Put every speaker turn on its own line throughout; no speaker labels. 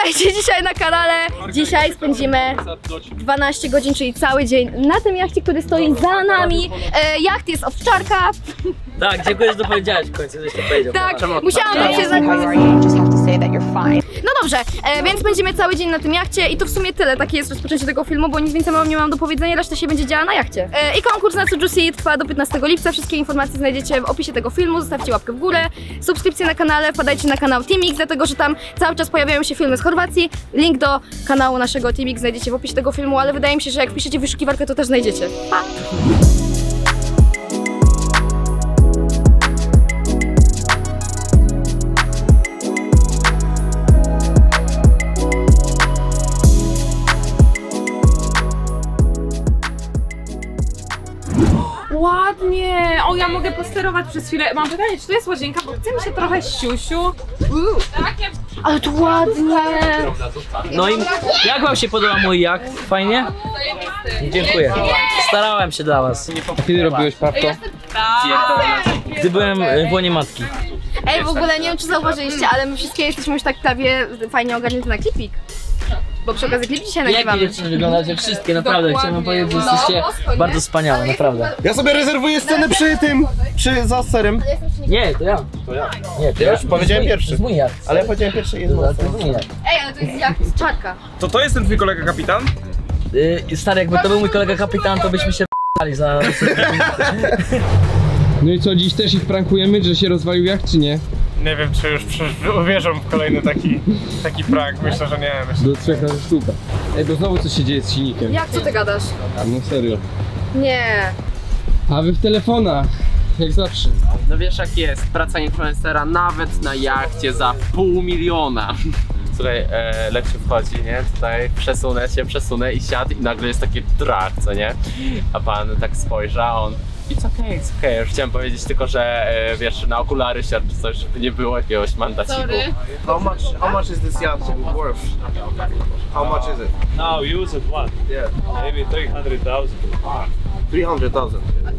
Witajcie dzisiaj na kanale. Dzisiaj spędzimy 12 godzin, czyli cały dzień na tym jachcie, który stoi za nami. Jacht jest owczarka.
Tak, dziękuję, że to powiedziałeś w końcu, żeś to powiedział.
Tak, musiałam to przyznać. No dobrze, więc spędzimy cały dzień na tym jachcie i to w sumie tyle. Takie jest rozpoczęcie tego filmu, bo nic więcej nie mam do powiedzenia, reszta się będzie działa na jachcie. I konkurs na Sujuicy trwa do 15 lipca. Wszystkie informacje znajdziecie w opisie tego filmu. Zostawcie łapkę w górę, subskrypcję na kanale, wpadajcie na kanał Teamix, dlatego że tam cały czas pojawiają się filmy z Chorwacji. Link do kanału naszego Teamix znajdziecie w opisie tego filmu, ale wydaje mi się, że jak wpiszecie wyszukiwarkę, to też znajdziecie. Pa!
Ładnie! O, ja mogę posterować przez chwilę. Mam pytanie, czy to jest łazienka, bo chce mi się trochę siusiu.
Ale tu ładnie!
No i jak wam się podoba mój jacht? Fajnie? Dziękuję. Starałem się dla was.
A kiedy robiłeś prawko?
Gdy byłem w łonie matki.
Ej, w ogóle nie wiem, czy zauważyliście, ale my wszystkie jesteśmy już tak prawie fajnie ogarnięte na klipik. Bo przy okazji klip dzisiaj
Jakie
nagrywamy.
dziewczyny wyglądacie? Wszystkie, naprawdę. Chciałem wam powiedzieć, że jesteście bardzo wspaniałe, naprawdę.
Ja sobie rezerwuję scenę przy tym, za serem.
Nie, to ja. Nie, to
Ja już powiedziałem
To
pierwszy.
jest mój jacht.
Ale ja powiedziałem pierwszy jest
To jest mój jacht.
Ej, ale to jest jak z czarka.
To jest ten twój kolega kapitan?
Stary, jakby to był mój kolega kapitan, to byśmy się p***ali za...
No i co, dziś też ich prankujemy, że się rozwalił jacht, czy nie?
Nie wiem, czy już uwierzą w kolejny taki prank. Myślę, że nie.
Do 3 razy sztuka. Ej, bo znowu coś się dzieje z silnikiem.
Jak, co ty gadasz?
No serio.
Nie.
A wy w telefonach, jak zawsze.
No wiesz jak jest, praca influencera nawet na jachcie za $500 000. Słuchaj, Leksiu wchodzi, nie? Tutaj przesunę i siadł i nagle jest takie drag, co nie? A pan tak spojrzy, a on it's okay. Już chciałem powiedzieć tylko, że wiesz, na okulary siadł czy coś, żeby nie było jakiegoś mandaciku.
How much is this yacht worth? How much is it?
Now used one,
Yeah.
maybe 300,000.
300,000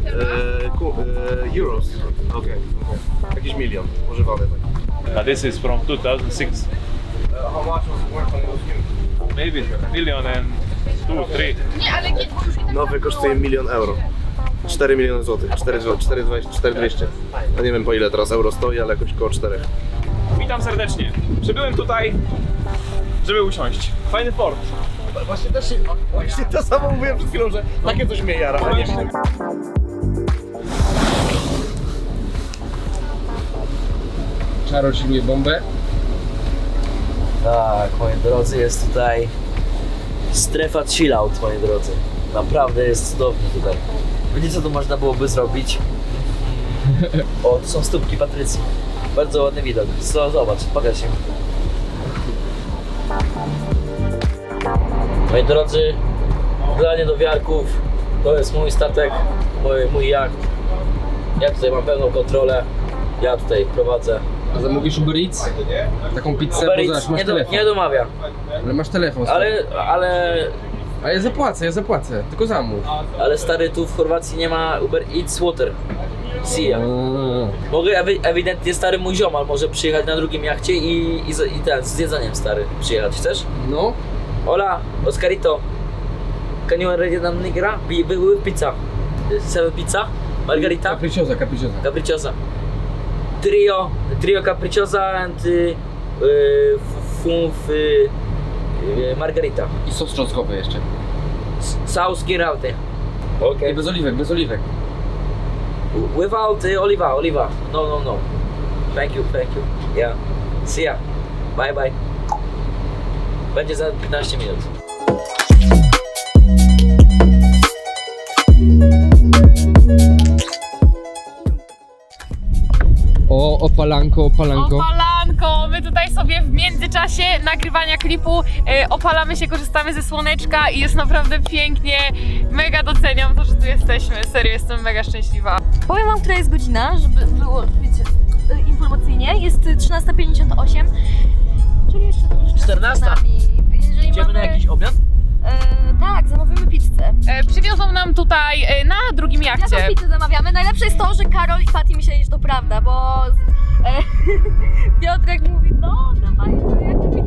euros. Okay. Jakiś milion używany tak.
This is from 2006,
How much was it worth when it was new?
maybe a million and 2, 3.
Nowy kosztuje 1 000 000 euro. 4 miliony złotych, 4,200. No nie wiem po ile teraz euro stoi, ale jakoś koło 4.
Witam serdecznie. Przybyłem tutaj, żeby usiąść. Fajny port.
Właśnie to samo mówiłem przed chwilą, że takie coś mnie jara, ale nie wiem.
Czaro siluje bombę.
Tak, moi drodzy, jest tutaj strefa chillout, moi drodzy. Naprawdę jest cudownie tutaj. Wiecie, co tu można byłoby zrobić? O, tu są stópki Patrycji. Bardzo ładny widok. Zobacz, pokaż się. Moi drodzy, wydanie do wiarków. To jest mój statek, mój jacht. Ja tutaj mam pełną kontrolę. Ja tutaj prowadzę.
A zamówisz Uber Eats? Taką pizzę,
Uber
bo
Eats
zobacz, masz
nie,
telefon.
nie domawia.
Ale masz telefon. stary.
Ale
A ja zapłacę, tylko zamów.
Ale stary, tu w Chorwacji nie ma Uber Eats Water. Sia. Mogę ewidentnie stary mój ziomal może przyjechać na drugim jachcie i ten z jedzeniem stary przyjechać. Chcesz?
No,
Hola, Oscarito. Can you already nam nigra? With pizza. 7 pizza? Margarita?
capricciosa.
Capricciosa. Trio capricciosa and margarita.
I sos czosnkowy jeszcze.
Sauce giraute. Okay.
I bez oliwek.
Without oliva. No. Thank you. Yeah. See ya. Bye. Będzie za 15 minut.
O, opalanko.
Opalanko! My tutaj sobie w międzyczasie nagrywania klipu opalamy się, korzystamy ze słoneczka i jest naprawdę pięknie. Mega doceniam to, że tu jesteśmy. Serio, jestem mega szczęśliwa.
Powiem wam, która jest godzina, żeby było, wiecie, informacyjnie. Jest 13:58, czyli jeszcze dużo
14.
Jeżeli
Idziemy na jakiś obiad?
Tak, zamówimy pizzę.
Przywiozą nam tutaj na drugim jachcie.
Jaką pizzę zamawiamy? Najlepsze jest to, że Karol i Fati myśleli, że to prawda, bo Piotrek mówi, no dawaj, jaką pizzę chcecie?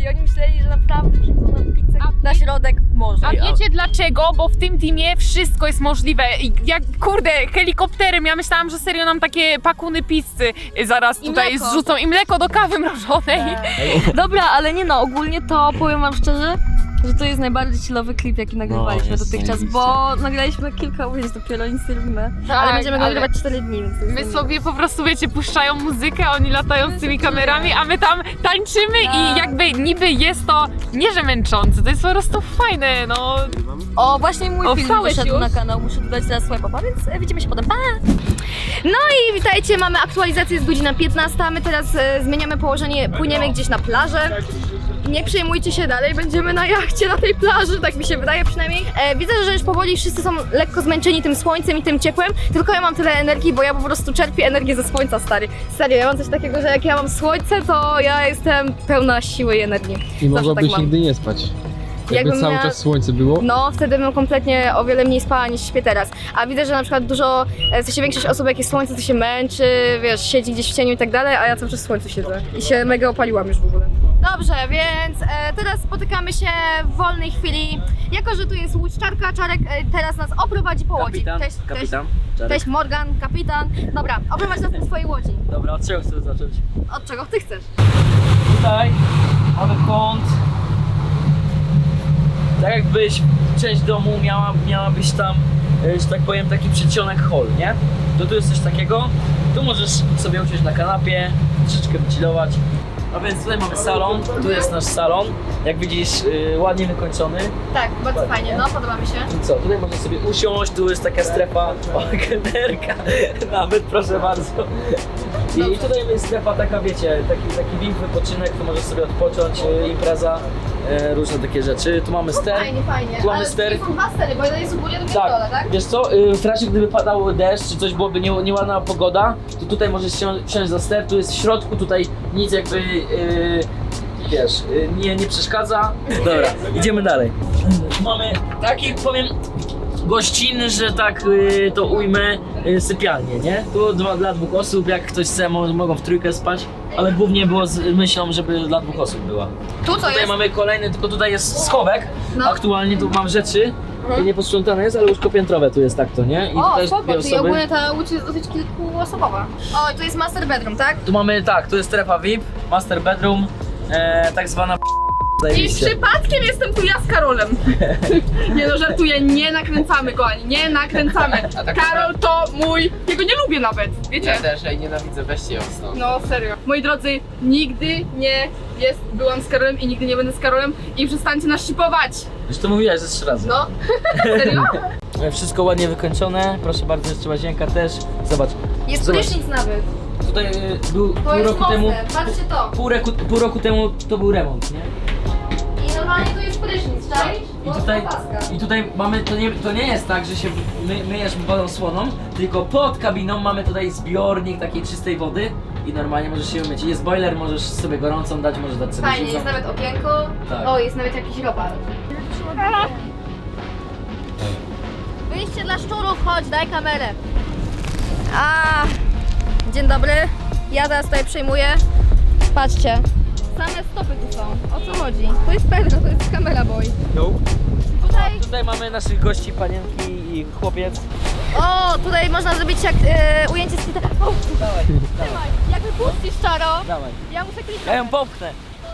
I oni myśleli, że naprawdę przyjdą nam pizzę na środek morza.
A wiecie dlaczego? Bo w tym teamie wszystko jest możliwe. I jak, kurde, helikopterem, ja myślałam, że serio nam takie pakuny pizzy zaraz
I
tutaj
mleko.
zrzucą i mleko do kawy mrożonej.
Dobra, ale nie no, ogólnie to powiem wam szczerze, że to jest najbardziej chillowy klip, jaki nagrywaliśmy
jest
dotychczas,
zajebiście.
bo nagraliśmy kilka ujęć dopiero, nic nie robimy.
Tak,
ale będziemy go
ale
nagrywać 4 dni, więc... to jest
My
nie-
sobie po prostu, wiecie, puszczają muzykę, oni latają z tymi kamerami, a my tam tańczymy i jakby niby jest to nie że męczące, to jest po prostu fajne, no.
O, właśnie mój film
wstałeś
wyszedł
już?
na kanał, muszę dodać teraz swipe'a, więc widzimy się potem, pa! No i witajcie, mamy aktualizację, jest godzina 15, a my teraz zmieniamy położenie, płyniemy gdzieś na plażę. Nie przejmujcie się, dalej będziemy na jachcie na tej plaży, tak mi się wydaje przynajmniej. Widzę, że już powoli wszyscy są lekko zmęczeni tym słońcem i tym ciepłem, tylko ja mam tyle energii, bo ja po prostu czerpię energię ze słońca, stary. Serio, ja mam coś takiego, że jak ja mam słońce, to ja jestem pełna siły i energii.
I
Zawsze
mogłabyś
tak mam.
nigdy nie spać. Jakby
Jakbym
cały
miała-
czas słońce było.
No, wtedy bym kompletnie o wiele mniej spała niż śpię teraz. A widzę, że na przykład dużo, w sensie większość osób jak jest słońce, to się męczy, wiesz, siedzi gdzieś w cieniu i tak dalej, a ja cały czas w słońcu siedzę. I się mega opaliłam już w ogóle. Dobrze, więc teraz spotykamy się w wolnej chwili. Jako, że tu jest łódźczarka, Czarek teraz nas oprowadzi po łodzi.
Kapitan,
Cześć,
kapitan.
Cześć,
Czarek.
cześć Morgan, kapitan. Dobra, oprowadź nas po swojej łodzi.
Dobra, od czego chcesz zacząć?
Od czego ty chcesz?
Tutaj mamy kąt. Tak jakbyś część domu miałabyś tam, że tak powiem, taki przedsionek hall, nie? To tu jest coś takiego. Tu możesz sobie usiąść na kanapie, troszeczkę wychillować. A więc tutaj mamy salon, tu jest nasz salon. Jak widzisz, ładnie wykończony.
Tak, bardzo fajnie, no podoba mi się.
I co, tutaj można sobie usiąść, tu jest taka strefa, o, kelnerka, nawet proszę bardzo. I tutaj jest strefa taka, wiecie, taki VIP wypoczynek, tu możesz sobie odpocząć, impreza, różne takie rzeczy. Tu mamy ster.
Fajnie, fajnie.
Tu mamy
Ale
ster.
są dwa stery, bo jeden jest u góry, drugi na dole, tak?
Wiesz co, w razie gdyby padał deszcz, czy coś byłoby nieładna pogoda, to tutaj możesz wsiąść za ster, tu jest w środku, tutaj nic jakby, wiesz, nie przeszkadza. Dobra, idziemy dalej. Mamy taki, powiem, gościnny, że tak to ujmę, sypialnię, nie? Tu dla 2 osób, jak ktoś chce, mogą w trójkę spać, ale głównie było z myślą, żeby dla 2 osób była.
Tu co
Tutaj
jest?
mamy kolejny, tylko tutaj jest schowek.
No.
Aktualnie tu mam rzeczy. Nie posprzątane jest, ale łóżko piętrowe tu jest tak to, nie? I
O,
tutaj
spoko,
dwie
czyli
osoby.
ogólnie ta łódź jest dosyć kilkuosobowa. O, i tu jest master bedroom, tak?
Tu mamy tak, tu jest strefa VIP, master bedroom, tak zwana
I
zajebiście.
przypadkiem jestem tu ja z Karolem. Nie no, żartuję, nie nakręcamy go ani, nie nakręcamy. Karol to mój, jego nie lubię nawet, wiecie?
Ja też, ja jej nienawidzę, weźcie ją stąd.
No serio. Moi drodzy, nigdy nie byłam z Karolem i nigdy nie będę z Karolem i przestańcie nas shipować.
Już to mówiłaś ze 3 razy.
No, serio?
Wszystko ładnie wykończone, proszę bardzo, jeszcze łazienka też. Zobacz,
Jest
Zobacz.
prysznic nawet.
tutaj był
To
pół
jest
roku
mocne,
temu,
patrzcie to.
pół roku temu to był remont, nie?
I normalnie tu jest prysznic, czaisz?
I tutaj mamy, to nie jest tak, że się myjesz wodą słoną, tylko pod kabiną mamy tutaj zbiornik takiej czystej wody i normalnie możesz się umyć. Jest boiler, możesz sobie gorącą dać, możesz dać sobie
Fajnie,
zimną.
jest nawet okienko.
Tak.
O, jest nawet jakiś robal. Wyjście dla szczurów, chodź, daj kamerę. Dzień dobry. Ja teraz tutaj przejmuję. Patrzcie. Same stopy tu są. O co chodzi? To jest Pedro, to jest kamera boy. Tutaj,
Tutaj mamy naszych gości, panienki i chłopiec.
o, tutaj można zrobić jak ujęcie z Twittera. O, trzymaj, jak wypuścisz czaro.
Dawaj.
Ja muszę kliknąć.
Ja ją popchnę.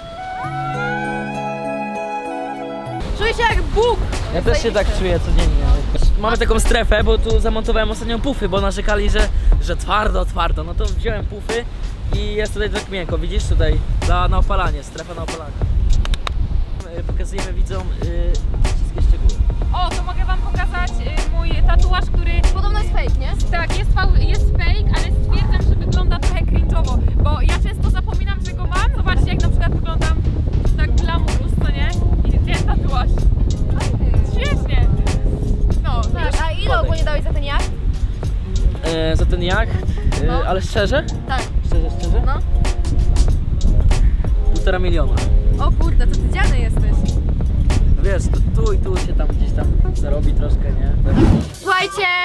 Czuję się jak Bóg.
Ja też się tak czuję codziennie. Mamy taką strefę, bo tu zamontowałem ostatnio pufy, bo narzekali, że twardo. No to wziąłem pufy i jest tutaj tak miękko. Widzisz tutaj? Na opalanie, strefa na opalanie. Pokazujemy widzom wszystkie szczegóły.
O, to mogę wam pokazać mój tatuaż, który
Podobno jest fake, nie?
tak, jest fake, ale stwierdzam, że wygląda trochę cringe'owo, bo ja często zapominam, że go mam. Zobaczcie, jak na przykład wyglądam tak glamurus, co nie? I ten tatuaż. Świetnie. No,
Tak, a ile ogólnie dałeś za ten jacht?
Za ten jacht,
No.
ale szczerze?
Tak.
Szczerze?
No.
1,5 miliona.
O kurde, to ty dziany jesteś.
Wiesz, tu i tu się tam gdzieś tam zarobi troszkę, nie?
Słuchajcie,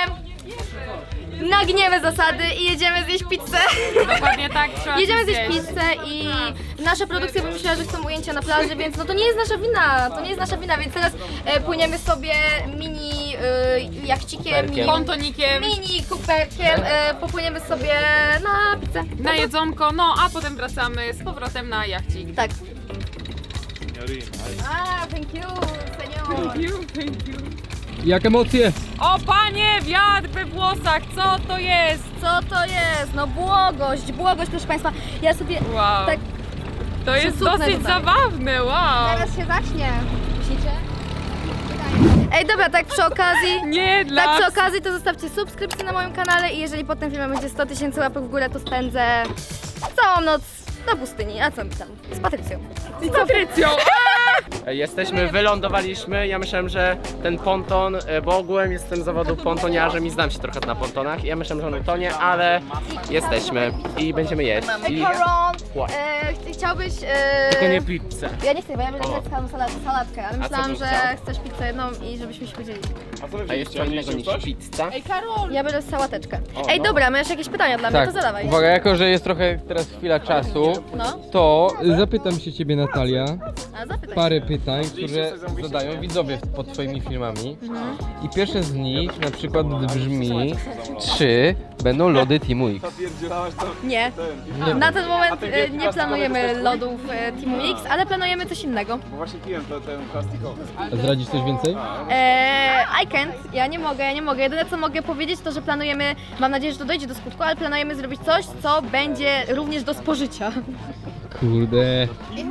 nagniemy zasady i jedziemy zjeść pizzę.
Dokładnie tak, trzeba
Jedziemy
coś
zjeść pizzę i nasza produkcja wymyśliła, że chcą ujęcia na plaży, więc no to nie jest nasza wina, więc teraz płyniemy sobie mini jachcikiem,
Pontonikiem,
mini kuperkiem, popłyniemy sobie na pizzę.
na jedzonko, no a potem wracamy z powrotem na jachcik.
Tak.
Signorina.
Thank you, senior.
Jak emocje?
O panie, wiatr we włosach, co to jest?
Co to jest? No błogość, proszę Państwa. Ja sobie
Wow,
tak
to jest
przysupnę
dosyć
tutaj.
zabawne, wow.
Teraz się zacznie. Myślicie? Ej, dobra, tak przy okazji.
Nie dla
Tak przy okazji to zostawcie subskrypcję na moim kanale i jeżeli po tym filmie będzie 100 000 łapek w górę, to spędzę całą noc na pustyni. A co mi tam? Z Patrycją.
z Patrycją.
Jesteśmy, wylądowaliśmy. Ja myślałem, że ten ponton, bo ogółem jestem z zawodu pontoniarzem i znam się trochę na pontonach. Ja myślałem, że on utonie, ale jesteśmy i będziemy jeść. I...
Koron,
What?
chciałbyś...
Tylko nie pizzę.
Ja nie chcę, bo ja będę grecką salatkę, ale
co
myślałam,
byś
że
chciał?
chcesz pizzę jedną i żebyśmy się podzielili.
A co wy
A jest co innego niż pizza?
Ja będę sałateczkę. Ej, dobra, masz jakieś pytania dla mnie,
Tak,
to zadawaj.
uwaga, jako że jest trochę teraz chwila czasu,
No,
to zapytam się ciebie, Natalia,
a zapytaj.
parę pytań, które zadają widzowie pod twoimi filmami. I pierwsze z nich na przykład brzmi, czy będą lody Teamu X?
Nie. Na ten moment nie planujemy lodów Teamu X, ale planujemy coś innego.
Bo właśnie piłem ten plastikowy.
A zdradzisz coś więcej?
I can't, ja nie mogę. Jedyne co mogę powiedzieć to, że planujemy, mam nadzieję, że to dojdzie do skutku, ale planujemy zrobić coś, co będzie również do spożycia.
Kurde.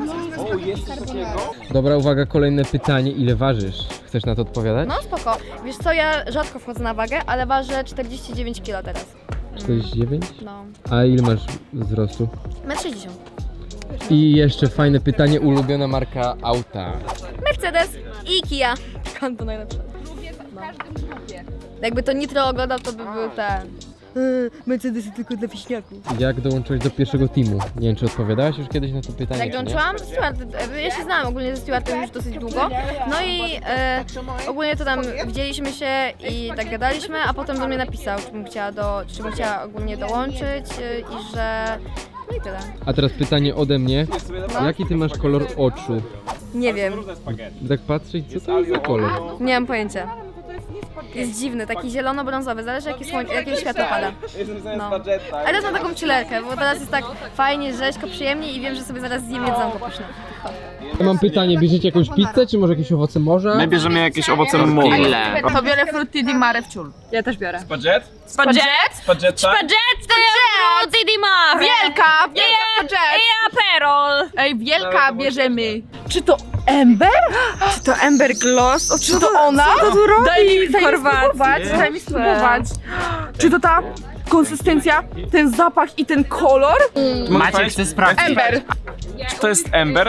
Dobra, uwaga, kolejne pytanie. Ile ważysz? Chcesz na to odpowiadać?
No spoko. Wiesz co, ja rzadko wchodzę na wagę, ale ważę 49 kg teraz.
49?
No.
A ile masz wzrostu?
1,60 m.
I jeszcze fajne pytanie, ulubiona marka auta.
Mercedes i Kia. Skąd to najlepsze? Lubię w każdym grupie. Jakby to Nitro oglądał, to by był ten... Mercedesy tylko dla wieśniaków.
Jak dołączyłeś do pierwszego teamu? Nie wiem, czy odpowiadałaś już kiedyś na to pytanie,
Jak
czy nie?
dołączyłam? Stuart, ja się znałam ogólnie ze Stuartem już dosyć długo. No i ogólnie to tam widzieliśmy się i tak gadaliśmy, a potem do mnie napisał, czy bym chciała ogólnie dołączyć i że... No i tyle.
A teraz pytanie ode mnie. Jaki ty masz kolor oczu?
Nie wiem,
Tak patrzeć, co to jest za kolor?
nie mam pojęcia. Jest dziwny, taki zielono-brązowy, zależy jakie światło pada. No. Ale teraz mam taką chillerkę, bo teraz jest tak fajnie, rzeźko, przyjemnie i wiem, że sobie zaraz zjem jedzonko pyszne.
Ja mam pytanie, bierzecie jakąś pizzę, czy może jakieś owoce morza?
My bierzemy jakieś owoce morza.
Ile?
To biorę frutti di mare w ciul. Ja też biorę.
Spaghet?
Spaghetti?
Spagetta?
Spaghetti to jest frutti di mare. Wielka spaghetti. I aperol. Ej, wielka bierzemy. Czy to Ember? Czy to Ember Gloss? O, czy to ona? Co tu robi? Daj mi spróbować. Czy to ta konsystencja, ten zapach i ten kolor?
Maciek chce sprawdzić.
Ember.
Czy to jest Ember?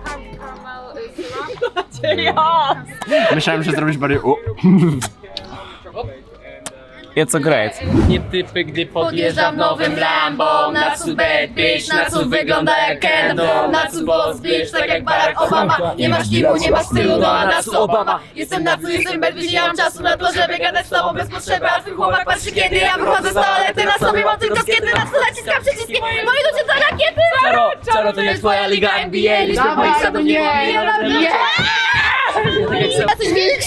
Myślałem, że zrobisz bardziej
It's a great.
Nie typy, gdy podjeżdżam nowym Lambo. Na cud bad bitch, na cud wygląda jak Kendo. Na cud boss bitch, tak jak Barack Obama. Nie masz tipu, nie masz stylu, no a na cud Obama. Jestem na cud, jestem bad bitch, nie mam czasu na to, żeby gadać z tobą bez potrzeby. A twój chłopak patrzy, kiedy ja wychodzę z toalety. Na sobie mam tylko skiety, na cud naciskam przyciski. Moi ludzie to rakiety! Czaro, to nie twoja liga NBA. Liczmy moich sadowników.
A coś więcej?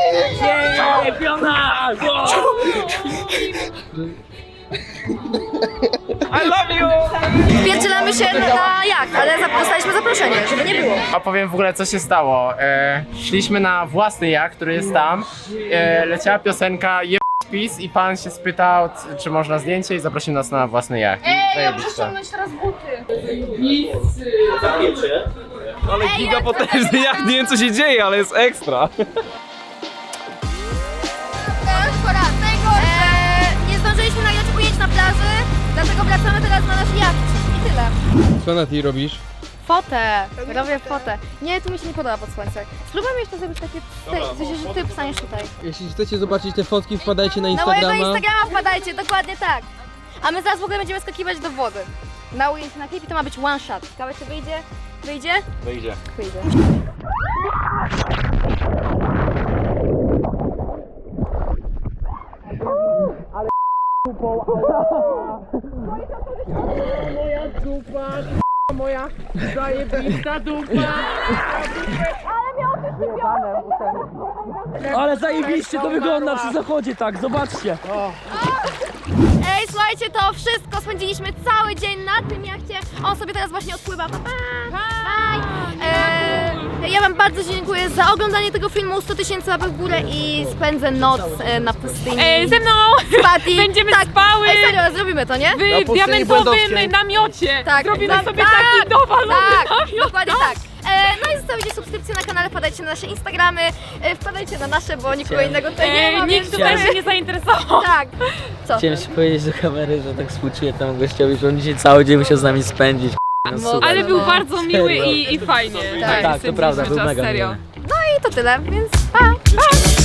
I love you!
Wpierdzielamy się na jacht, ale dostaliśmy zaproszenie, żeby nie było.
Opowiem w ogóle, co się stało. Szliśmy na własny jacht, który jest tam. Leciała piosenka PiS i pan się spytał, czy można zdjęcie i zaprosił nas na własny jacht.
Ja muszę ściągnąć teraz buty.
Ale giga potężny, jak nie wiem co się dzieje, ale jest ekstra.
Nie zdążyliśmy nagrać ujęć na plaży, dlatego wracamy teraz na nasz jacht. I tyle.
Co na ty robisz?
Fotę! Robię fotę. Nie, tu mi się nie podoba pod słońce. Spróbujmy jeszcze zrobić takie, w sensie, że ty wstaniesz tutaj.
Jeśli chcecie zobaczyć te fotki, wpadajcie na
Na mojego
Instagrama.
Instagrama wpadajcie, dokładnie tak. A my zaraz w ogóle będziemy skakiwać do wody. Na ujęcie na klipie to ma być one shot. Ciekawe czy wyjdzie? Wyjdzie?
Wyjdzie.
Wyjdzie.
Ale zajebiście to wygląda przy zachodzie, tak, zobaczcie.
Ej, słuchajcie, to wszystko. Spędziliśmy cały dzień na tym jachcie. On sobie teraz właśnie odpływa. Pa, pa. Bye. Ja wam bardzo dziękuję za oglądanie tego filmu. 100 000 łapek w górę i spędzę noc na pustyni.
Ze mną
z Patty.
będziemy
tak.
spały
Ej, serio, zrobimy to, nie?
w diamentowym namiocie.
Tak.
Zrobimy
Tak.
sobie
Tak.
taki dowalony
Tak,
namiot.
dokładnie tak. No i zostawicie subskrypcję na kanale, wpadajcie na nasze Instagramy, wpadajcie na nasze, bo nikogo innego tutaj nie ma.
Nikt
więc-
tutaj się nie zainteresował.
Tak. Co?
Chciałem się powiedzieć do kamery, że tak współczuję temu gościowi, że on dzisiaj cały dzień musiał z nami spędzić. No super.
Ale był bardzo miły
Serio.
i fajnie.
Tak,
to prawda, był mega
serio.
miły.
I to tyle, więc pa!